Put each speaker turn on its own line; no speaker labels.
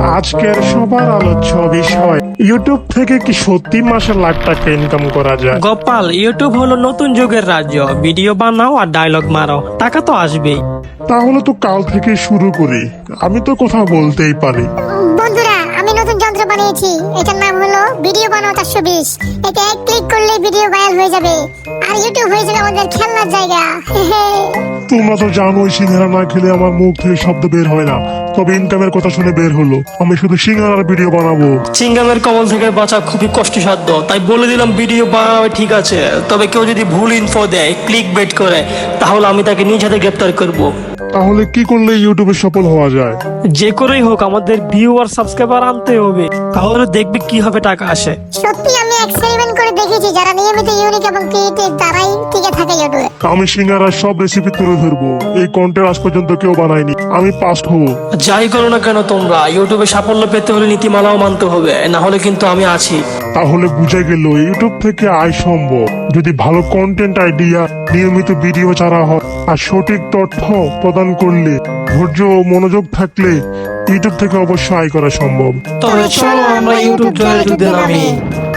আজকের সবার আলোচ্য বিষয়, ইউটিউব থেকে কি সত্যি মাসে লাখ টাকা ইনকাম করা যায়?
গোপাল, ইউটিউব হলো নতুন যুগের রাজ্য। ভিডিও বানাও আর ডায়লগ মারো, টাকা তো আসবেই।
তাহলে তো কাল থেকে শুরু করি, আমি তো কথা বলতেই পারি।
বন্ধুরা, আমি নতুন যন্ত্র বানিয়েছি। এটার নাম হলো ভিডিও বানাও 420। এটা এক ক্লিক করলে ভিডিও ভাইরাল হয়ে যাবে, আর ইউটিউব হয়ে যাবে আমাদের খেলনার জায়গা।
তোমরা তো জানোই সিঙ্গারা না খেলে আমার মুখ থেকে শব্দ বের হয় না, তবে ইনকামের কথা শুনে বের হলো। আমি শুধু সিঙ্গারার ভিডিও বানাবো।
চিংগামের কবল থেকে বাঁচা খুবই কষ্টসাধ্য, তাই বলে দিলাম ভিডিও বানাবে ঠিক আছে, তবে কেউ যদি ভুল ইনফো দেয়, ক্লিক বেট করে, তাহলে আমি তাকে নিজ হাতে গ্রেপ্তার করব।
তাহলে কি করলে ইউটিউবে সফল হওয়া যায়?
যে করেই হোক আমাদের ভিউ আর সাবস্ক্রাইবার আনতে হবে, তাহলে দেখবে কিভাবে টাকা আসে।
সত্যি আমি এক্সপেরিমেন্ট করে দেখেছি, যারা নিয়মিত ইউনিক এবং ক্রিয়েটিভ তারাই টিকে থাকে ইউটিউবে।
আমি সিঙ্গারার সব রেসিপি তুলে ধরবো। এই কন্টেন্ট আজ পর্যন্ত কেউ বানায়নি, আমি পাস্ট হবো।
যাই করো না কেন তোমরা, ইউটিউবে সাফল্য পেতে হলে নীতিমালাও মানতে হবে, না হলে কিন্তু আমি আছি।
তাহলে বুঝে গেল ইউটিউব থেকে আয় সম্ভব, যদি ভালো কন্টেন্ট আইডিয়া, নিয়মিত ভিডিও ছাড়া হয় আর সঠিক তথ্য প্রদান করলে, ধৈর্য ও মনোযোগ থাকলে ইউটিউব থেকে অবশ্যই আয় করা সম্ভব।
তবে চলো আমরা ইউটিউব জয়ের যুদ্ধে নামি।